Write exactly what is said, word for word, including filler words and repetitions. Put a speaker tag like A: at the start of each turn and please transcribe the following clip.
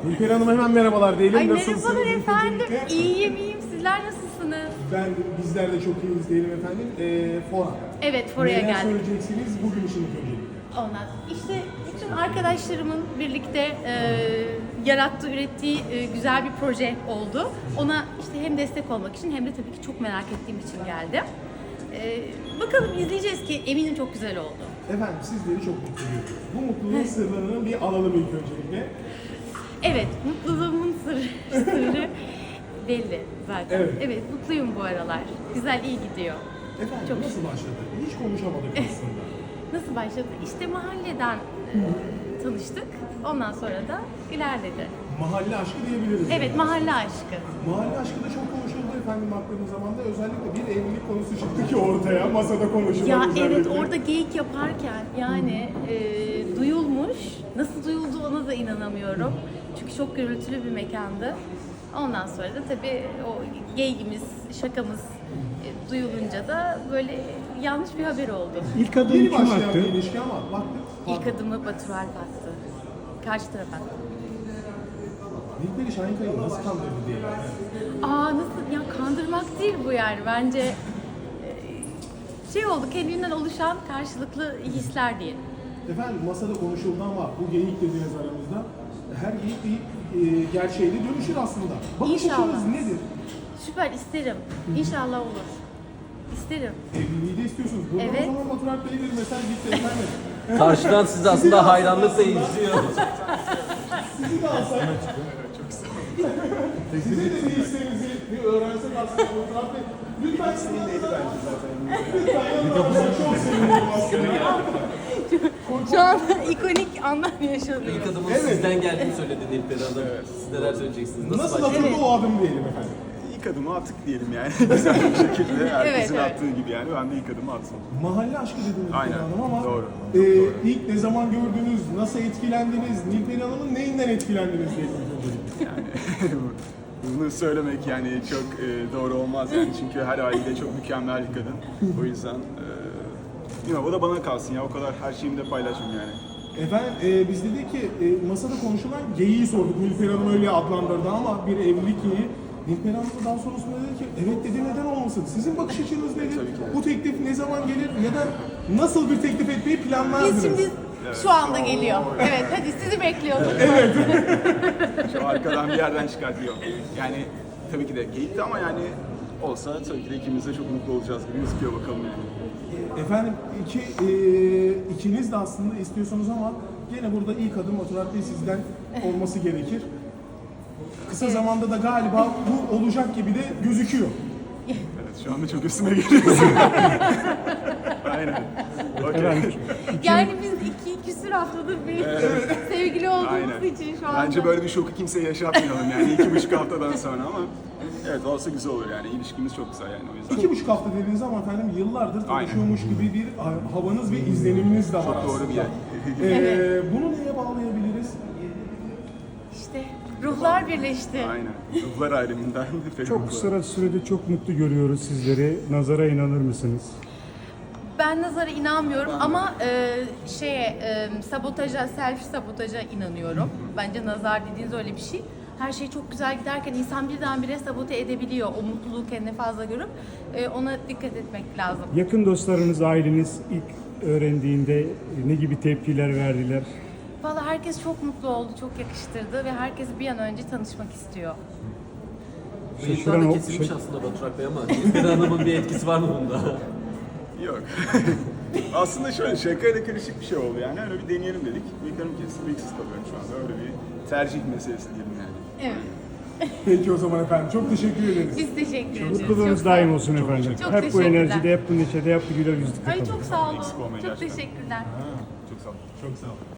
A: Nilperi Hanım hemen merhabalar diyelim.
B: Ay
A: Nasılsınız?
B: merhabalar efendim.
A: Öncelikle?
B: İyiyim iyiyim. Sizler nasılsınız?
A: Ben bizler de çok iyiyiz diyelim efendim. Ee, Fora.
B: Evet, Fora'ya
A: Neler
B: geldik.
A: söyleyeceksiniz bugün için öncelikle?
B: Ondan işte bütün arkadaşlarımın birlikte e, yarattığı, ürettiği e, güzel bir proje oldu. Ona işte hem destek olmak için hem de tabii ki çok merak ettiğim için geldim. E, bakalım izleyeceğiz ki eminim çok güzel oldu.
A: Efendim sizleri çok mutlu ediyoruz. Bu mutluluğun sırrını bir alalım ilk öncelikle.
B: Evet, mutluluğumun sırrı, sırrı belli zaten.
A: Evet.
B: Evet, mutluyum bu aralar. Güzel, iyi gidiyor.
A: Efendim
B: Çok
A: nasıl başladı? Hiç konuşamadık aslında.
B: Nasıl başladı? İşte mahalleden e, tanıştık. Ondan sonra da ilerledi.
A: Mahalle aşkı diyebiliriz.
B: Evet, mahalle aşkı.
A: Mahalle aşkı da çok konuşuldu efendim baktığımız zaman da özellikle bir evlilik konusu çıktı ki ortaya masada konuşulan
B: Ya
A: özellikle.
B: evet, orada geyik yaparken yani e, duyulmuş. Nasıl duyuldu ona da inanamıyorum. Çünkü çok gürültülü bir mekandı. Ondan sonra da tabii o geyigimiz, şakamız e, duyulunca da böyle yanlış bir haber oldu.
C: İlk adımı
A: Yeni
C: kim
A: başlayan
C: attı?
A: bir ilişki ama baktık.
B: İlk adımı Batur Alp attı. Karşı tarafa attı.
A: Nilperi Şahinkaya'yı nasıl kandırdı diye. Yani.
B: Aa nasıl ya, kandırmak değil bu yani bence e, şey oldu, kendinden oluşan karşılıklı hisler diyelim.
A: Efendim masada konuşuldu ama bu geyik dediğiniz aramızda her geyik bir e, gerçeğe de dönüşür aslında. Bakış
B: İnşallah.
A: açınız nedir?
B: Süper, isterim. İnşallah olur. İsterim.
A: Evliliği de istiyorsunuz. Buradan
B: Evet.
A: o zaman Batur Alp Bey'e bir mesaj gitti efendim.
D: Karşıdan siz aslında hayranlıkla izliyor.
A: Sizi de alsak. Size de bir isteğinizi bir öğrensek aslında Batur Alp Bey. Lütfen sizi neydi bence zaten. Lütfen yanına çok sevinirim aslında.
B: Şu an ikonik anlar yaşadım.
D: İlk adımın
A: Evet.
D: sizden geldiğini söyledi Nilperi Hanım. Siz neler söyleyeceksiniz? Nasıl,
A: Nasıl
D: başladı?
A: atıldı o adım diyelim efendim.
E: İlk adımı attık diyelim yani. Güzel bir şekilde herkesin
B: evet.
E: attığı gibi yani ben de ilk adımı attım.
A: Mahalle aşkı dediniz
E: Aynen,
A: Nilperi Hanım ama
E: doğru,
A: e,
E: çok doğru.
A: ilk ne zaman gördünüz, nasıl etkilendiniz, Nilperi Hanım'ın neyinden etkilendiniz diye öncelikle.
E: Yani bunu söylemek yani çok e, doğru olmaz yani çünkü her haliyle çok mükemmel bir kadın. O yüzden e, bilmiyorum, o da bana kalsın ya, o kadar her şeyimi de paylaşmam yani.
A: Efendim e, biz dedik ki e, masada konuşulan geyiği sorduk. Nilperi Hanım öyle adlandırdı ama bir evlilik geyiği. Nilperi Hanım da daha sonrasında dedi ki evet dedi, neden olmasın? Sizin bakış açınız nedir?
E: Tabii ki.
A: Bu teklif ne zaman gelir ya da nasıl bir teklif etmeyi planlardınız?
B: Biz şimdi şu anda geliyor. Evet, hadi sizi bekliyorduk.
E: Şu arkadan bir yerden çıkartıyor. Yani tabii ki de geyikti ama yani olsa tabii ki de ikimiz de çok mutlu olacağız gibi gözüküyor, bakalım yani.
A: Efendim iki, e, ikiniz de aslında istiyorsunuz ama gene burada ilk adım Batur Alp Bey sizden olması gerekir. Kısa zamanda da galiba bu olacak gibi de gözüküyor.
E: Evet, şu anda çok üstüme geliyorsun. Aynen. Okey.
B: Yani biz iki küsür haftadır bir sevgili olduğumuz
E: Aynen.
B: için şu anda.
E: Bence böyle bir şoku kimseye yaşatmayalım yani iki buçuk haftadan sonra ama evet, olsa güzel olur yani, ilişkimiz çok güzel yani, o yüzden.
A: İki buçuk hafta dediğiniz ama efendim yıllardır tanışıyormuş gibi bir havanız ve izleniminiz de var.
E: Çok doğru bir yer.
A: Ee, bunu neye bağlayabiliriz?
B: İşte ruhlar birleşti.
E: Aynen. Ruhlar ayrımından.
C: Çok kısa sürede çok mutlu görüyoruz sizleri. Nazara inanır mısınız?
B: Ben nazara inanmıyorum ama e, şeye e, sabotaja, self sabotaja inanıyorum. Bence nazar dediğiniz öyle bir şey. Her şey çok güzel giderken insan birdenbire sabote edebiliyor. O mutluluğu kendine fazla görüp e, ona dikkat etmek lazım.
C: Yakın dostlarınız, aileniz ilk öğrendiğinde ne gibi tepkiler verdiler?
B: Vallahi herkes çok mutlu oldu, çok yakıştırdı ve herkes bir an önce tanışmak istiyor.
D: Bıyıklar
C: Şaşıran
D: da
C: o-
D: kesilmiş
C: şey-
D: aslında Batur Alp Bey ama Nilperi Hanım'ın bir etkisi var mı bunda?
E: Yok. Aslında şöyle şakayla karışık bir şey oldu yani, öyle bir deneyelim dedik. Bıyıklarım kesildi, bıyıksız kalıyorum şu anda, öyle bir tercih meselesi diyelim yani.
B: Evet.
A: Peki o zaman efendim çok teşekkür ederiz.
B: Biz teşekkür ederiz.
C: Mutluluğunuz
B: Çok sağ
C: daim
B: olun.
C: olsun efendim.
B: Çok
C: Hep bu
B: teşekkürler.
C: enerjide, hep bu neşede, hep bu güler yüzlükte
B: Ay
C: kalın.
B: çok sağ olun.
E: Eksik olmayın
B: Çok
E: gerçekten.
B: teşekkürler.
E: Çok sağ olun.
A: Çok sağ olun.